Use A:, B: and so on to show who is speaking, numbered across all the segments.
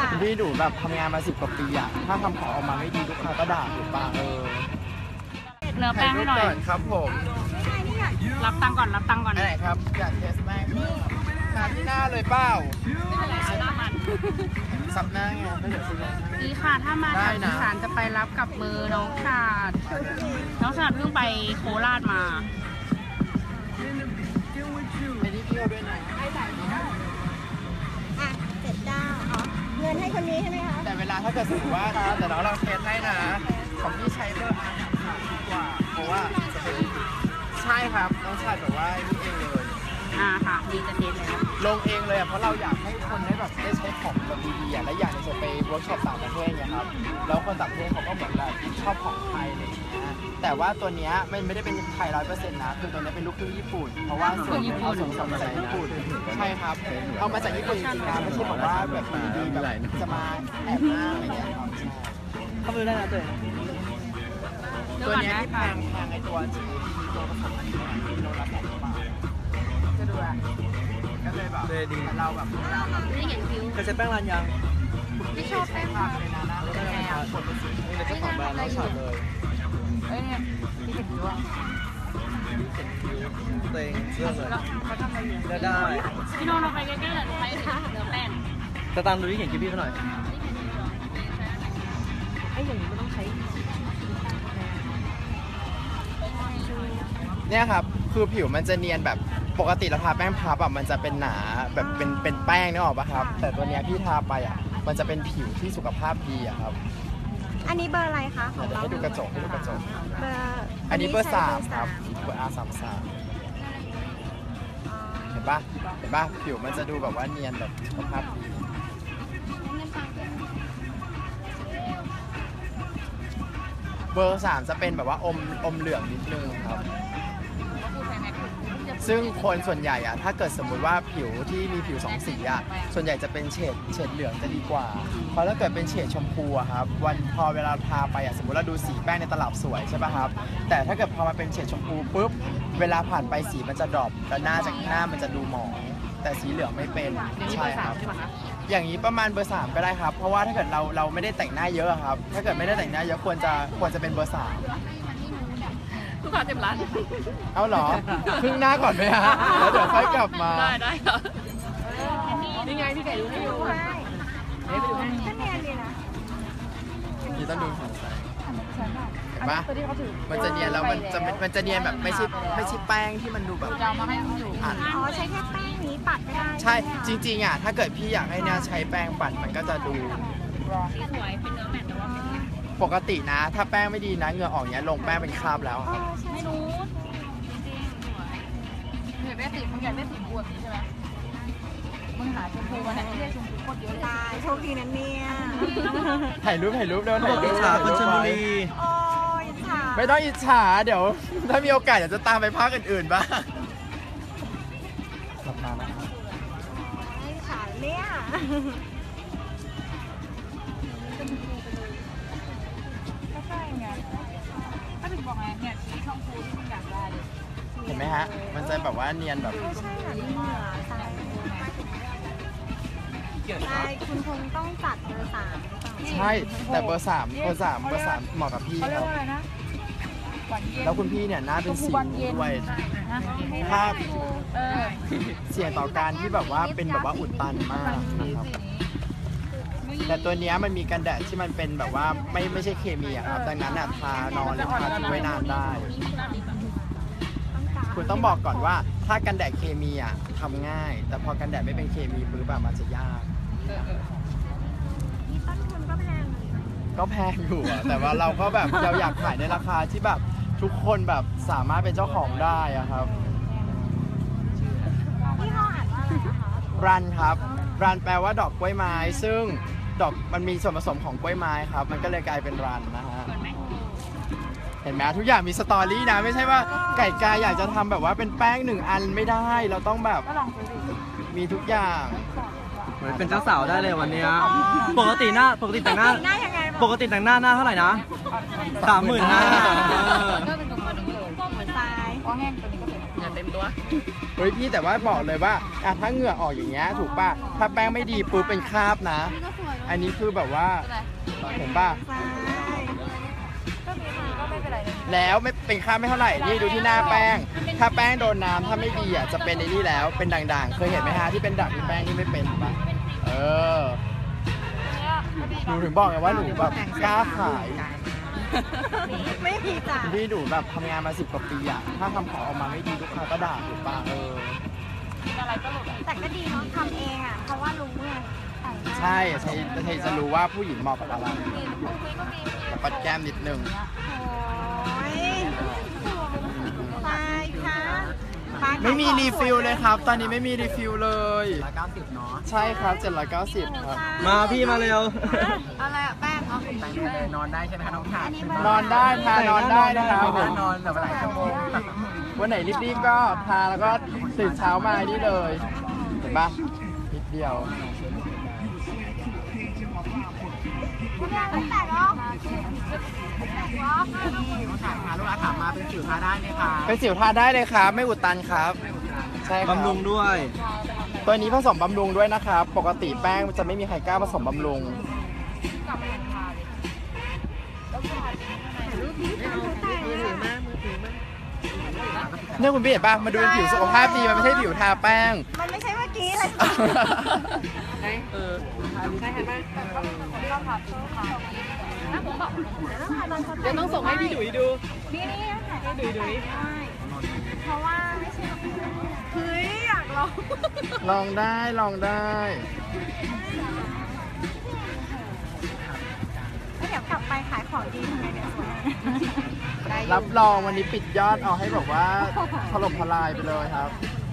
A: พี่ดูแบบทำงานมา10 กว่าปีอะถ้าทำของออกมาไม่ดีลูกค้าก็ด่าถูกปะ
B: เนื้อแป้งให้หน่อย
A: ครับผม
B: รับตังก่อนรับตังก่อน
A: อะไรครับอยากเทสแป้งทาที่หน้าเลยเปล่าซับหน้าไงไม่เดี๋ยวซื้อลง
B: ดีค่ะถ้ามาทางอีสานจะไปรับกับมือน้องชาดน้องชาดเพิ่งไปโคราชมา
A: ไอ้นี่พี่เอาด้วยนะ
C: อ่ะ79อ๋อเงินให้คนนี้ใช่ไหมคะ
A: แต่เวลาถ้าเกิดสมมติว่านะแต่น้องเราเทสให้นะของพี่ใช้เบอร์อาร์ดีกว่าเพราะว่าจะเป็นใช่ครับน้องชายแบบว่านี่เองเลย
B: ค่ะดีจะเทสแล้ว
A: ลงเองเลยอ่ะเพราะเราอยากให้คนได้แบบได้ใช้ของแบบดีๆอ่ะและอย่างหนึงจะไปเวิร์กช็อปต่างประเทศเนี่ยครับแล้วคนต่างประเทศเขาก็เหมือนแบบชอบของไทยอะไรอย่างเงี้ยแต่ว่าตัวเนี้ยมันไม่ได้เป็นไทย100%นะคือตัวเนี้ยเป็นลูกครึ่งญี่ปุ่นเพราะว่าส่วนหนึ่งเอาส่วนผสมมาจากญี่ปุ่นใช่ครับเอามาจากญี่ปุ่นจริงๆนะไม่ใช่บอกว่าแบบดีๆแบบจะมาแอบอ้างอะไรเงี้ยครับใช่เข้าไปดูได้นะตัวเนี้ยที่แพงไอตัวที่ตัวผสมอันนี้โลละ100 บาทจะดูอ่ะก็เลยแบบดีเราแบบ
B: ไม่เห็นคิ้ว
A: เคยใช้แป้งรันยัง
B: ไม่ชอบแป้ง
A: ทำเลยนะนะแล้วก็มาผลเป็นสีนี่เลยเจ้าของแบรนด์เราฉาดเลย
B: เอ้ยเนี่ยที่เห็นคิ้วอ่ะ
A: ตัวเองเลือกเลย
B: เขาทำอะไรอยู่
A: เลือกได้
B: พี่โน้องเราไปใกล้ๆหน่อยไปเนื้อแป้ง
A: จะตามดูที่เขียนคิดพี่เขาหน่อย
B: ไอ้อย่างนี้มันต้องใช้
A: เนี่ยครับคือผิวมันจะเนียนแบบปกติเราทาแป้งพับอ่ะมันจะเป็นหนาแบบเป็นแป้งนึกออกปะครับแต่ตัวเนี้ยพี่ทาไปอ่ะมันจะเป็นผิวที่สุขภาพดีอ่ะครับ
C: อันนี้เบอร์อะไรคะของ
A: เดี๋ยว
C: เรา
A: ให้ดูกระจก
C: เบอร์
A: อันนี้เบอร์
C: ใช้
A: 3ครับเบอร์ R33 เห็นปะผิวมันจะดูแบบว่าเนียนแบบสุขภาพดีเบอร์ 3จะเป็นแบบว่าอมเหลืองนิดนึงครับซึ่งคนส่วนใหญ่อะถ้าเกิดสมมุติว่าผิวที่มีผิว2 สีอะส่วนใหญ่จะเป็นเฉดเหลืองจะดีกว่าเพราะถ้าเกิดเป็นเฉดชมพูอะครับพอเวลาทาไปอะสมมติเราดูสีแป้งในตลับสวยใช่ป่ะครับแต่ถ้าเกิดพอมาเป็นเฉดชมพูปุ๊บเวลาผ่านไปสีมันจะดรอปแล้วหน้ามันจะดูหมองแต่สีเหลืองไม่เป็นใช่ครับอย่างนี้ประมาณเบอร์ 3ก็ได้ครับเพราะว่าถ้าเกิดเราไม่ได้แต่งหน้าเยอะครับถ้าเกิดไม่ได้แต่งหน้าเยอะควรจะเป็นเบอร์ 3
B: ลูกค้าเต็มร้าน
A: เอาเหรอ ครึ่งหน้าก่อนไหมฮะ แล้วเดี๋ยวค่อยกลับมา
B: ได้ครับนี่ไงพี่ไก่ดูให้อยู่
C: ใช่ก็เนียนดีนะ
A: นี่ต้องดูของใสเห็นปะมันจะเนียนแล้วมันจะเนียนแบบไม่ใช่แป้งที่มันดูแบบ
B: จะเอามาให้อยู่
A: อัด
C: อ๋อใช้แค่แป้งนี้ปัดไม่ได้
A: ใช่จริงๆอ่ะถ้าเกิดพี่อยากให้หน้าใช้แป้งปัดมันก็จะดู
B: สวยเป็นเนื้อแมทแต่ว่า
A: ปกตินะ ถ้าแป้งไม่ดีนะเหงื่อออกเนี้ยลงแป้งเป็นคราบแล้วครับ
B: ไม่รู้จริงสวยอยากได้สีมึงอยากได้สีบัวนี้ใช่ไหมมึงหาชมพูมาไหนที่ได้ชมพูโคตรเยอะเลย
C: ตายโชคดีนะเนี่ย
A: ถ่ายรูปเร็วถ่ายรูป
D: อิจฉาคนชลบุรี
C: โอ้ยอิจฉา
A: ไม่ต้องอิจฉาเดี๋ยว ถ้ามีโอกาสเดี๋ยวจะตามไปภาคอื่นๆบ้างกลับมานะครับ
C: อิจฉาเนี่ย
B: ก็ใช่ไงก็ถึงบอกไงเนี่ยสีชมพูที่มึงอยากได้เลย
A: เห็นไหมฮะ มันจะแบบว่าเนียนแบบ
C: ก็ใช่แบบนี้เหงื่อตายตายคุณคงต้องจัดเบอร์ 3หรือเปล่า
A: ใช่แต่เบอร์ 3เหมาะกับพี่
B: เขาเรี
A: ค
B: ยก
A: รับ
B: ว่าอะไรนะหวานเย็น
A: แล้วคุณพี่เนี่ยหน้าเป็นสิวด้วย ภาพ เสี่ยงต่อการที่แบบว่าเป็นแบบว่าอุดตันมากนะครับ แต่ตัวเนี้ยมันมีกันแดดที่มันเป็นแบบว่าไม่ใช่เคมีอะครับ ดังนั้นอะทานอนหรือทาทิ้งไว้นานได้ คุณต้องบอกก่อนว่าถ้ากันแดดเคมีอะทำง่าย แต่พอกันแดดไม่เป็นเคมีปุ๊บอะมันจะยาก
C: นี่ต้นทุนก็แพงเลย
A: ก็แพงอยู่อะแต่ว่าเราก็แบบเราอยากขายในราคาที่แบบทุกคนแบบสามารถเป็นเจ้าของได้อะครับ
C: ยี่ห้ออ่านว่าอะไรนะคะ
A: รันครับ รันแปลว่าดอกกล้วยไม้ ซึ่งดอกมันมีส่วนผสมของกล้วยไม้ครับ มันก็เลยกลายเป็นรันนะฮะ เห็นไหมทุกอย่างมีสตอรี่นะ ไม่ใช่ว่าไก่กาอยากจะทำแบบว่าเป็นแป้ง1 อันไม่ได้ เราต้องแบบ
B: ก็ลองซื้อดิ
A: มีทุกอย่าง
D: เหมือนเป็นเจ้าสาวได้เลยวันเนี้ยปกติแต่งหน้า
C: หน้ายังไงบ้าง
D: ปกติแต่งหน้าเท่าไหร่นะ35,000
B: ก็เป็นตัวนี้เลย
C: ก้มเหมือนทราย
B: อ๋อแห้งตัวนี้ก็เป็นเต็มตัว
A: เฮ้ยพี่แต่ว่าบอกเลยว่าถ้าเหงื่อออกอย่างเงี้ยถูกป่ะถ้าแป้งไม่ดีปุ๊บเป็นคราบนะ อันนี้คือแบบว่าเห็นป่ะแล้วไม่เป็นคราบไม่เท่าไหร่นี่ดูที่หน้าแป้ง ถ้าแป้งโดนน้ำถ้าไม่ดีจะเป็นในนี่แล้วเป็นด่างๆเคยเห็นไหมฮะที่เป็นด่างที่แป้งนี่ไม่เป็นป่ะหนูถึงบอกไงว่าหนูแบบกล้าขาย
C: ไม่มีจ้ะ
A: พี่หนูแบบทำงานมา10 กว่าปีถ้าทำของออกมาไม่ดีลูกค้าก็ด่าถูกป่ะ
C: แต่ก็ดีเนาะทำเองเพราะว่ารู้ไง
A: ใช่ใช่จะรู้ว่าผู้หญิงเหมาะกับอะไรแต่ปัดแก้มนิดนึง
C: โอ้ยไปค่ะ
A: ไม่มีรีฟิลเลยครับ ตอนนี้ไม่มีรีฟิลเลย
D: 190เนาะ
A: ใช่ครับ790ครับ
D: มาพี่มาเร็ว
C: อะไรอะแป้งเหรอ
D: แต่งเลยนอนได้ใช่ไหมคะน้องถาด
A: นอนได้ทานอนได้นะครับผม
D: นอนแบบหลายชั่วโมง
A: วันไหนรีบๆก็ทาแล้วก็ตื่นเช้ามานี่เลยเห็นปะนิดเดียว
C: ไม่แตกหรอก
D: น้องถาดพาลูกค้าถามมาเป็นสิวทาได้ไหมคะ
A: เป็นสิวทาได้เลยครับ ไม่อุดตันครับใช่ครับ
D: บำรุงด้วย
A: ตัวนี้ผสมบำรุงด้วยนะครับ ปกติแป้งจะไม่มีใครกล้าผสมบำรุงเนี่ยคุณพี่เห็นป่ะมาดูเป็นผิวสุขภาพดีมันไม่ใช่ผิวทาแป้ง
C: มันไม่ใช่เมื่อกี้เลย
B: เดี๋ยวต้องส่งให้พี่ดุยดู
C: นี่ให้ดุยเพราะว่าไม่ใช่เฮ้ยอยากลอง
A: ลองได้ลองได้
C: เดี๋ยวกลับไปขายของดีทำไงเดี๋ยวสวย
A: รับรองวันนี้ปิดยอดเอาให้แบบว่าถล่มทลายไปเลยครับ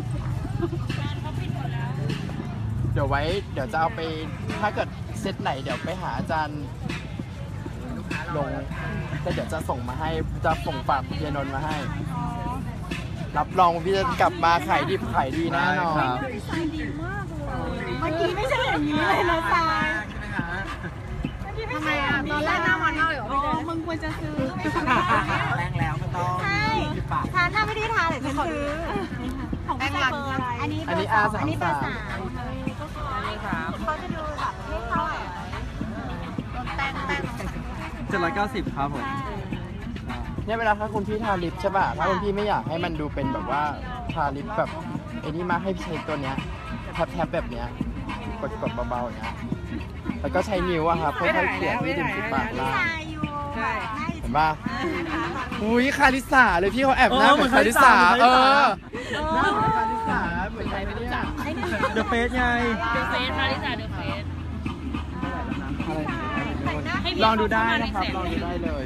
A: เดี๋ยวจะเอาไปถ้าเกิดเซตไหนเดี๋ยวไปหาอาจารย์ลงแต่เดี๋ยวจะส่งมาให้จะส่งฝากเพียนนท์มาให้ รับรองพี่จะกลับมาขายดิบขายดีแน่นอน
C: เมื่อกี้ไม่ใช่อย่างนี้เลยนะทรายทำไมตอนแรกหน้ามันมากเลยเหรอมึงควรจะซื้อไม่ใช่
D: แรงแล้วไม่ต้อง
C: ใช่ทานถ้าไม่ได้ทานเดี๋ยวฉันซื้อของแป้งรันอันนี้เบอร์
A: R33
C: อันนี้เบอร์ 3เขาจะดูแบบไม่เท่าไหร่แป้ง
D: 790ครับผม
A: เนี่ยเวลาถ้าคุณพี่ทาลิปใช่ป่ะถ้าคุณพี่ไม่อยากให้มันดูเป็นแบบว่าทาลิปแบบไอ้นี่มากให้ใช้ตัวเนี้ยแทบแบบเนี้ยกดเบาๆอย่างเงี้ยแล้วก็ใช้นิ้วอะครับค่อยๆเขียนที่ริมฝีปากล่าง
C: ใช่
A: เห็นป่ะอุ้ยคาริสาเลยพี่เขาแอบหน้าเหมือนคาริสาหน้าเหมือนคาริสาเหมือนใครไม่รู้จัก
D: เดอะเฟสไง
B: เดอะเฟสค่ะลิซ่าเดอะเฟส
A: ลองดูได้นะครับลองดูได้เลย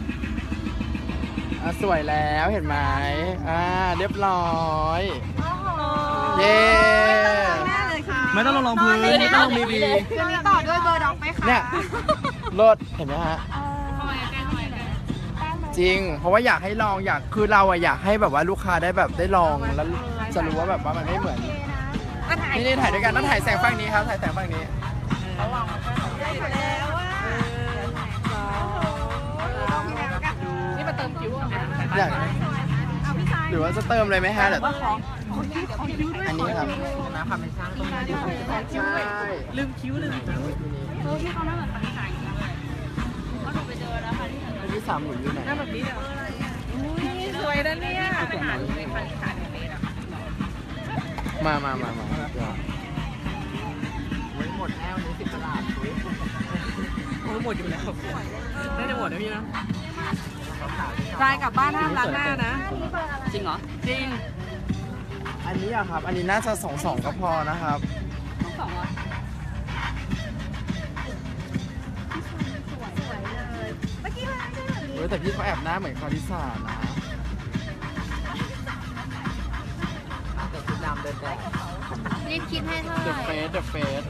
A: สวยแล้วเห็นไหมเรียบร้อยเย้
D: ไม่ต้องลงพื้นไม่ต้องลงบีบี
C: คืนนี้ต่อด้วยเบอร์ด็อกไหมคะ
A: เนี่ยรถเห็นไหมฮะ
B: เข้ามาใกล้เข้ามาใกล้
A: จริง เพราะว่าอยากให้ลองคือเราอยากให้แบบว่าลูกค้าได้แบบได้ลองแล้วจะรู้ว่าแบบว่ามันไม่เหมือนนี่ถ่ายด้วยกันต้องถ่ายแสงฝั่งนี้ครับถ่ายแสงฝั่งนี้
B: นี่มาเติมคิ้วอ่ะ
A: อยากหรือว่าจะเติมเลยไหมฮะเดี๋ยวอันนี้ครับ
D: นะความเป็นช่างต้องได้ดี
A: ใช่
B: ลืมคิ้วลืมที่เขาหน้าเหมือนคาริสาอย่างนี้เลยก็หนูไปเจอแล้วคาริสา
A: อันที่3หนูอยู่ไหน
B: หน้าแบบนี้เนี่ยสวยนะเนี่ยไปหาดูในคาริสาในเฟซอ่ะ
A: มา
D: หมดแล้วนี่10 ตลาดโอ้หมดอยู่แล้วน่าจะหมดนะพี่นะ
B: รายกลับบ้านห้ามล้างหน้านะ จริงเหรอ จริง
A: อันนี้อะครับ อันนี้น่าจะ2 ก็พอนะครับ
B: ต้อง2อ่ะ
C: เมื่อกี้มันไม่ใช่แบบนี้
A: แต่พี่เขาแอบหน้าเหมือนคาริสานะ
D: แต่ชุดดำเดินแดด
C: รีบคิดให้เท่าไห
A: The
C: ร่
A: Face The Face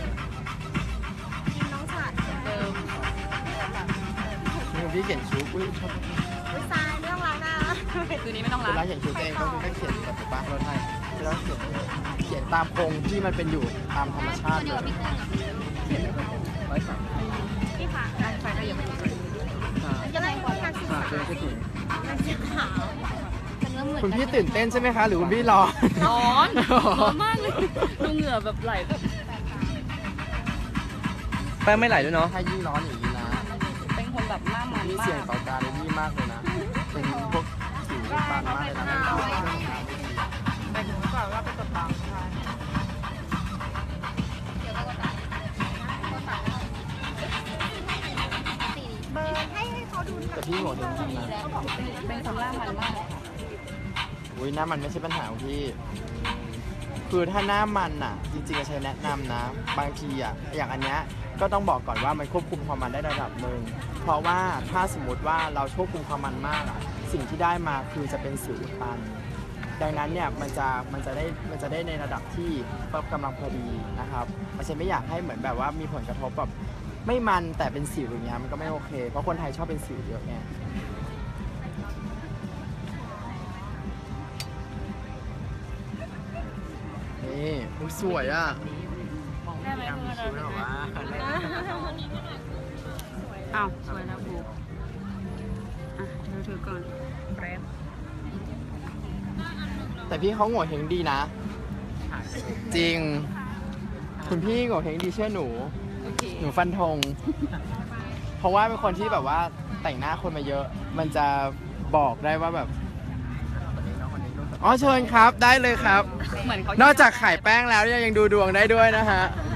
C: น้องฉัดเดิม
A: นี่พี่เขียนชุดอุ้ยชอบ
C: วิซายไม่ต้องล้างหน้า
B: คืนนี้ไม่ต้อง
A: เว
B: ล้าง
A: ลาเขียนชุดเองก็คือเขียนแบบบ้านรถให้แล้วเขียนตามโครงที่มันเป็นอยู่ตามธรรมชาติเลย
C: พี่ค่ะไฟก็ยังไม่มีจะได้คนทานสี
D: เจอก็ถึง
C: มันสีขาวจะเนื้อเหมือน
A: คุณพี่ตื่นเต้นใช่ไหมคะ หรือคุณพี่ร้อน
B: ร้อนร้อนมากเลยดูเหงื่อแบบไหลแบบ
D: แป้งไม่ไหลด้วยเนาะ
A: ถ้ายิ่งร้อนอย่างนี้นะ
B: เป็นคนแบบหน้ามัน
A: นี่
B: มา
A: เสี่ยง
B: ก
A: ต่อการเลยนี่มากเลยนะ เป็นพวกสิวตันมากเลยนะ
B: ไปถึงก่อนว่าไปกดตังค์ค่ะ
C: เบอร์ให้เขาดู
A: แต่พี่หัวจริงๆนะ
B: เป็นคนหน้ามันมากค่ะ
A: อุ้ยหน้ามันไม่ใช่ปัญหาของพี่ คือถ้าหน้ามันอ่ะ จริงๆจะใช้แนะนำนะ บางทีอ่ะ อย่างอันเนี้ยก็ต้องบอกก่อนว่ามันควบคุมความมันได้ระดับหนึ่ง เพราะว่าถ้าสมมติว่าเราควบคุมความมันมากอ่ะ สิ่งที่ได้มาคือจะเป็นสิวอุดตัน ดังนั้นเนี่ยมันจะได้ในระดับที่กำลังพอดีนะครับมันจะไม่อยากให้เหมือนแบบว่ามีผลกระทบแบบไม่มันแต่เป็นสิวอย่างเงี้ยมันก็ไม่โอเค เพราะคนไทยชอบเป็นสิวเยอะไงนี่อุ๊ยสวยอ่ะ
B: ได้ไหมเพื่อนเราอ้าวสวยแล้วบูอ่ะเธอถือก่อนแป๊บ
A: แต่พี่เขาโง่เฮงดีนะ จริง คุณพี่โง่เฮงดีเชื่อหนู
B: โอเค
A: หนูฟันธง เพราะว่าเป็นคนที่แบบว่าแต่งหน้าคนมาเยอะ มันจะบอกได้ว่าแบบอ๋อเชิญครับได้เลยครับ
B: เหมือนเขา
A: นอกจากขายแป้งแล้วยังดูดวงได้ด้วยนะฮะ
B: เ